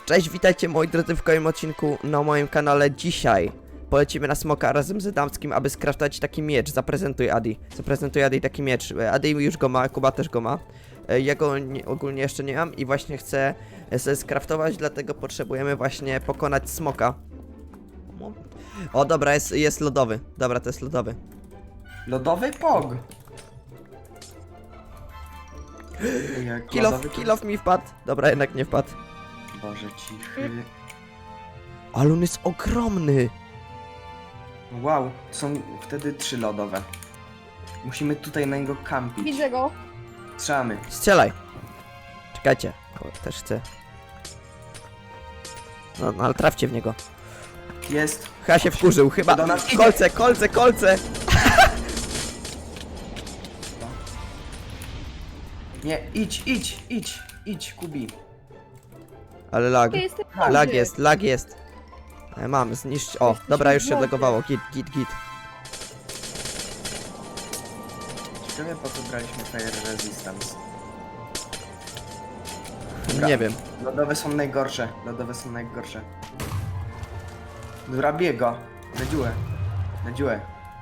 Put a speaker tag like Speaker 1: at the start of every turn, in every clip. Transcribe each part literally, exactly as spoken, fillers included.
Speaker 1: Cześć, witajcie moi drodzy w kolejnym odcinku na moim kanale. Dzisiaj polecimy na smoka razem z Adamskim, aby skraftować taki miecz. Zaprezentuj Adi. Zaprezentuj Adi taki miecz. Adi już go ma, Kuba też go ma. Ja go nie, ogólnie jeszcze nie mam i właśnie chcę sobie skraftować, dlatego potrzebujemy właśnie pokonać smoka. O dobra, jest, jest lodowy. Dobra, to jest lodowy.
Speaker 2: Lodowy pog. Jak
Speaker 1: Kill off,
Speaker 2: lodowy
Speaker 1: kill off mi wpadł. Dobra, jednak nie wpadł.
Speaker 2: Boże cichy.
Speaker 1: Ale on jest ogromny.
Speaker 2: Wow, są wtedy trzy lodowe. Musimy tutaj na niego kampić.
Speaker 3: Widzę go.
Speaker 2: Strzelamy.
Speaker 1: Strzelaj. Czekajcie. O, też chcę. No, no ale trafcie w niego.
Speaker 2: Jest.
Speaker 1: Chyba się wkurzył, chyba.
Speaker 2: Do nas idzie.
Speaker 1: Kolce, kolce, kolce!
Speaker 2: Nie, idź, idź, idź, idź, Kubi.
Speaker 1: Ale lag.
Speaker 3: Ja jestem
Speaker 1: Lag
Speaker 3: mądry.
Speaker 1: jest, lag jest. E, Mam, zniszcz. O,
Speaker 3: Jesteś
Speaker 1: dobra, już się
Speaker 3: mądry.
Speaker 1: odlogowało. Git, git, git.
Speaker 2: Ciekawe po co braliśmy Fire Resistance. Dobra.
Speaker 1: Nie wiem.
Speaker 2: Lodowe są najgorsze, lodowe są najgorsze. Zrobię go. Na dziurę. Na dziurę.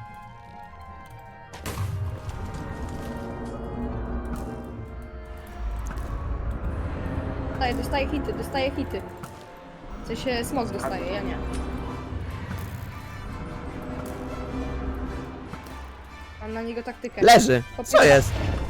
Speaker 3: Dostaję, dostaję hity, dostaję hity. W sensie smog dostaje, ja nie. Mam na niego taktykę.
Speaker 1: Leży. Co
Speaker 3: Popieram.
Speaker 1: jest?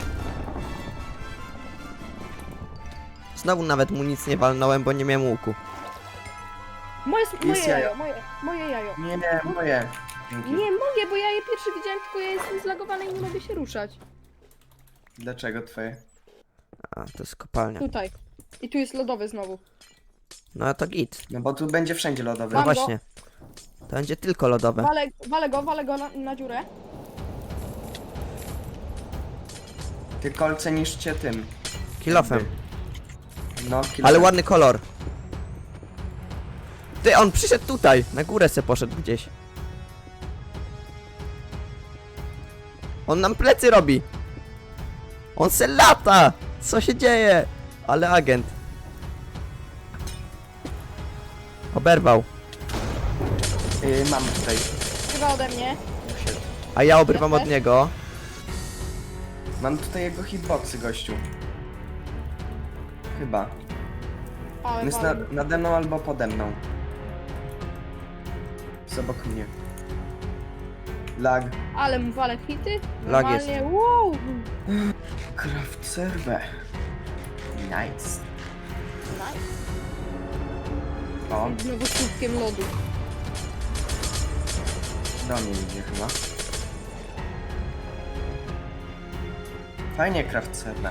Speaker 1: Znowu nawet mu nic nie walnąłem, bo nie miałem łuku.
Speaker 3: Moje, moje
Speaker 2: Jest
Speaker 3: jajo,
Speaker 2: jajo.
Speaker 3: moje, moje jajo.
Speaker 2: Nie, moje. Dzięki.
Speaker 3: Nie mogę, bo ja je pierwszy widziałem, tylko ja jestem zlagowany i nie mogę się ruszać.
Speaker 2: Dlaczego twoje?
Speaker 1: A, to jest kopalnia.
Speaker 3: Tutaj. I tu jest lodowy znowu.
Speaker 1: No to git.
Speaker 2: No bo tu będzie wszędzie lodowy.
Speaker 1: No
Speaker 3: Mam go.
Speaker 1: właśnie. To będzie tylko lodowe.
Speaker 3: Walę, walę go, walę go na, na dziurę.
Speaker 2: Ty kolce niszcie tym.
Speaker 1: Kilofem.
Speaker 2: No, kill
Speaker 1: Ale ładny kolor. Ty, on przyszedł tutaj. Na górę se poszedł gdzieś. On nam plecy robi. On se lata. Co się dzieje? Ale agent. Oberwał.
Speaker 2: Yy, mam tutaj.
Speaker 3: Chyba ode mnie.
Speaker 1: A ja obrywam od niego.
Speaker 2: Mam tutaj jego hitboxy, gościu. Chyba.
Speaker 3: Ale
Speaker 2: On jest na, nade mną albo pode mną. Jest obok mnie. Lag.
Speaker 3: Ale mu walę hity.
Speaker 1: Lag jest.
Speaker 3: Normalnie, wow.
Speaker 2: Craft server. Nice.
Speaker 3: Nice.
Speaker 2: O,
Speaker 3: Znowu słupkiem lodu.
Speaker 2: do mnie idzie chyba. Fajnie craft server.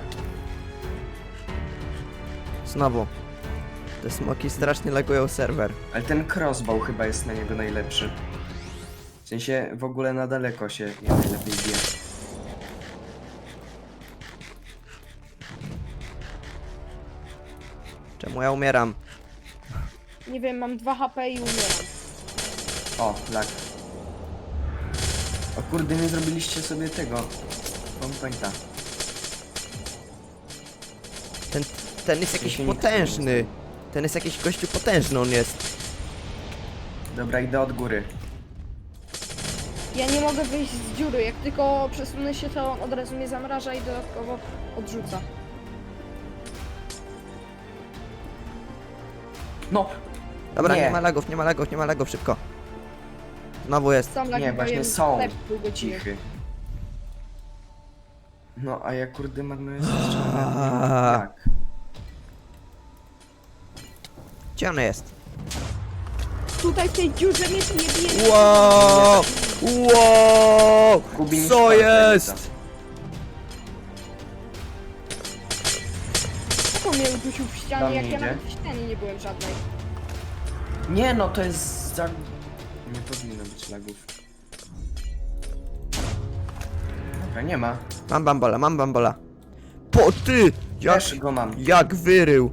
Speaker 1: Znowu. Te smoki strasznie lagują serwer.
Speaker 2: Ale ten crossbow chyba jest na niego najlepszy. W sensie w ogóle na daleko się nie najlepiej bije.
Speaker 1: Czemu ja umieram?
Speaker 3: Nie wiem, mam dwa H P i umieram.
Speaker 2: O, lag. O kurde, nie zrobiliście sobie tego. Pointa.
Speaker 1: Ten, ten jest jakiś
Speaker 2: się nie
Speaker 1: potężny. Ten jest jakiś gościu potężny on jest.
Speaker 2: Dobra, idę od góry.
Speaker 3: Ja nie mogę wyjść z dziury, jak tylko przesunę się, to on od razu mnie zamraża i dodatkowo odrzuca.
Speaker 2: No!
Speaker 1: Dobra, nie.
Speaker 2: Nie.
Speaker 1: ma lagów, nie ma lagów, nie ma lagów, szybko. Znowu jest.
Speaker 3: Sam lagi,
Speaker 2: Nie,
Speaker 3: bo
Speaker 2: właśnie
Speaker 3: jem
Speaker 2: są.
Speaker 3: chleb pół godziny.
Speaker 2: Cichy. No, a ja kurde marnuję
Speaker 1: Aaa.
Speaker 2: strzał. Jak?
Speaker 1: Gdzie on jest?
Speaker 3: Tutaj w tej dziurze mnie tu nie bije.
Speaker 1: Wow! Wow!
Speaker 2: Kubi niż
Speaker 1: Co
Speaker 2: palce
Speaker 1: jest?
Speaker 2: rzuca.
Speaker 3: Jak on mnie udusił w
Speaker 2: Do
Speaker 3: ścianie,
Speaker 2: mnie
Speaker 3: jak ja
Speaker 2: idzie.
Speaker 3: nawet w ścianie nie byłem żadnej.
Speaker 2: Nie no, to jest za... Nie powinno być lagów. Dobra, nie ma.
Speaker 1: Mam bambola, mam bambola. Po ty! Jak,
Speaker 2: Też go mam.
Speaker 1: jak wyrył!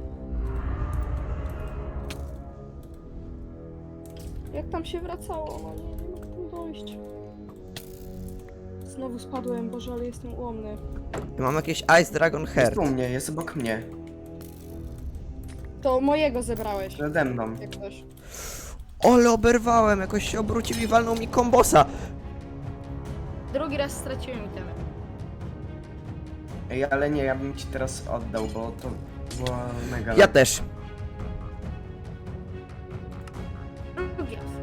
Speaker 3: Jak tam się wracało? No nie, nie mogę tu dojść. Znowu spadłem, Boże, ale jestem ułomny.
Speaker 1: Ja mam jakieś Ice Dragon
Speaker 2: Jest
Speaker 1: Heart.
Speaker 2: u mnie, jest obok mnie.
Speaker 3: To mojego zebrałeś,
Speaker 2: Przede mną.
Speaker 3: jak ktoś.
Speaker 1: Ole, oberwałem, jakoś się obrócił i walnął mi kombosa.
Speaker 3: Drugi raz straciłem itemy.
Speaker 2: Ej, ale nie, ja bym ci teraz oddał, bo to było mega...
Speaker 1: Ja też.
Speaker 3: Drugi raz.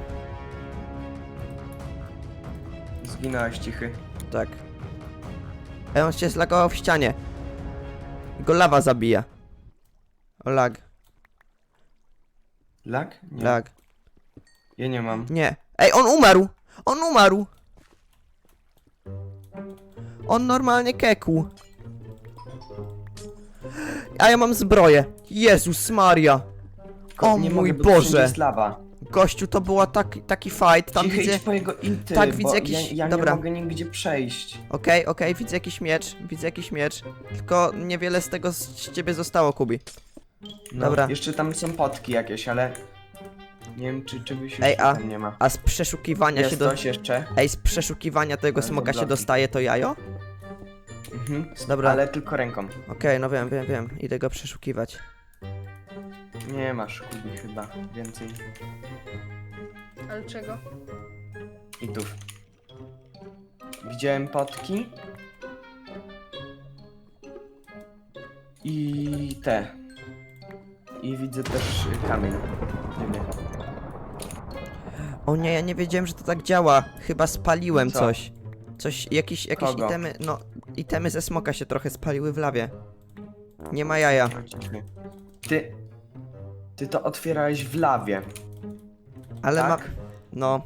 Speaker 2: Zginąłeś cichy.
Speaker 1: Tak. Ej, on się zlagował w ścianie. Go lawa zabija. O, lag,
Speaker 2: Lag? Nie.
Speaker 1: lag.
Speaker 2: Ja nie mam.
Speaker 1: Nie. Ej, on umarł! On umarł! On normalnie kekł. A ja mam zbroję. Jezus Maria. O
Speaker 2: nie
Speaker 1: mój
Speaker 2: mogę, bo tu wszędzie
Speaker 1: Boże.
Speaker 2: jest lawa.
Speaker 1: Gościu, to była tak, taki fight. Tam
Speaker 2: Cichy,
Speaker 1: widzę...
Speaker 2: idź po jego inty,
Speaker 1: tak,
Speaker 2: bo
Speaker 1: widzę jakiś-
Speaker 2: Ja, ja
Speaker 1: dobra.
Speaker 2: nie mogę nigdzie przejść.
Speaker 1: Okej, okej, widzę jakiś miecz. Widzę jakiś miecz. Tylko niewiele z tego z ciebie zostało, Kubi.
Speaker 2: No,
Speaker 1: Dobra.
Speaker 2: Jeszcze tam są potki jakieś, ale... Nie wiem, czy czegoś już
Speaker 1: Ej, a-
Speaker 2: tam nie ma.
Speaker 1: A z przeszukiwania
Speaker 2: Jest
Speaker 1: się do...
Speaker 2: coś jeszcze?
Speaker 1: Ej, z przeszukiwania tego
Speaker 2: Ale
Speaker 1: smoka się
Speaker 2: bloki.
Speaker 1: dostaje to jajo?
Speaker 2: Mhm.
Speaker 1: Dobra.
Speaker 2: Ale tylko ręką.
Speaker 1: Okej, no wiem, wiem, wiem. Idę go przeszukiwać.
Speaker 2: Nie masz kubi chyba. Więcej
Speaker 3: Ale czego?
Speaker 2: itów. Widziałem potki. I te. I widzę też y, kamień. Nie wiem.
Speaker 1: O nie, ja nie wiedziałem, że to tak działa. Chyba spaliłem
Speaker 2: Co?
Speaker 1: coś. Coś, jakieś, jakieś
Speaker 2: Kogo?
Speaker 1: itemy, no, itemy ze smoka się trochę spaliły w lawie. Nie ma jaja.
Speaker 2: Ty. Ty to otwierałeś w lawie.
Speaker 1: Ale
Speaker 2: tak?
Speaker 1: mam, no.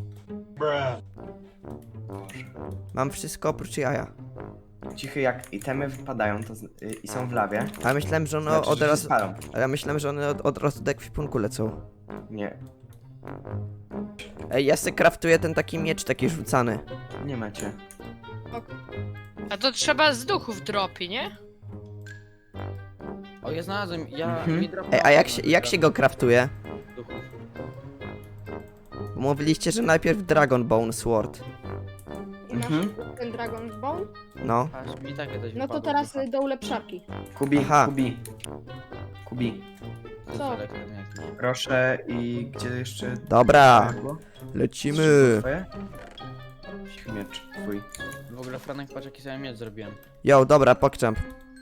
Speaker 1: Mam wszystko oprócz jaja.
Speaker 2: Cichy, jak itemy wypadają to z, y, i są w lawie.
Speaker 1: Ale myślałem, że one
Speaker 2: Znaczy,
Speaker 1: No, od
Speaker 2: że się
Speaker 1: razu,
Speaker 2: spalą.
Speaker 1: ale ja myślałem, że one od, od razu do ekwipunku lecą.
Speaker 2: Nie.
Speaker 1: Ej, ja se kraftuję ten taki miecz taki rzucany.
Speaker 2: Nie macie.
Speaker 4: A to trzeba z duchów dropi, nie?
Speaker 5: O, ja znalazłem, ja...
Speaker 2: Mhm.
Speaker 5: mi dropnął
Speaker 1: Ej, a jak się,
Speaker 5: fragment
Speaker 1: jak się go kraftuje?
Speaker 5: duchów.
Speaker 1: Bo mówiliście, że najpierw Dragon Bone Sword.
Speaker 3: I masz
Speaker 2: Mhm.
Speaker 3: ten Dragon Ball?
Speaker 1: No.
Speaker 5: Aż mi takie coś
Speaker 3: No to
Speaker 5: wypadło
Speaker 3: teraz
Speaker 5: z ducha.
Speaker 3: y, do ulepszarki.
Speaker 2: Kubi,
Speaker 1: Aha.
Speaker 2: Kubi. Kubi.
Speaker 5: To jest
Speaker 3: Co?
Speaker 5: elektryn jakiś.
Speaker 2: Proszę i gdzie jeszcze...
Speaker 1: Dobra,
Speaker 2: było?
Speaker 1: lecimy.
Speaker 2: Twoje? Miecz twój.
Speaker 5: W ogóle Franek, patrz jaki sobie miecz zrobiłem.
Speaker 1: Yo, dobra, pokczamp.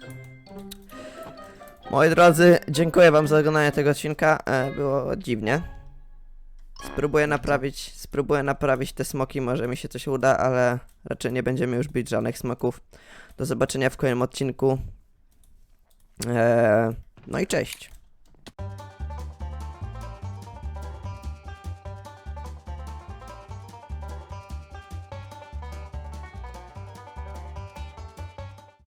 Speaker 1: Moi drodzy, dziękuję wam za oglądanie tego odcinka. E, było dziwnie. Spróbuję naprawić, spróbuję naprawić te smoki, może mi się coś uda, ale raczej nie będziemy już bić żadnych smoków. Do zobaczenia w kolejnym odcinku. E, no i cześć.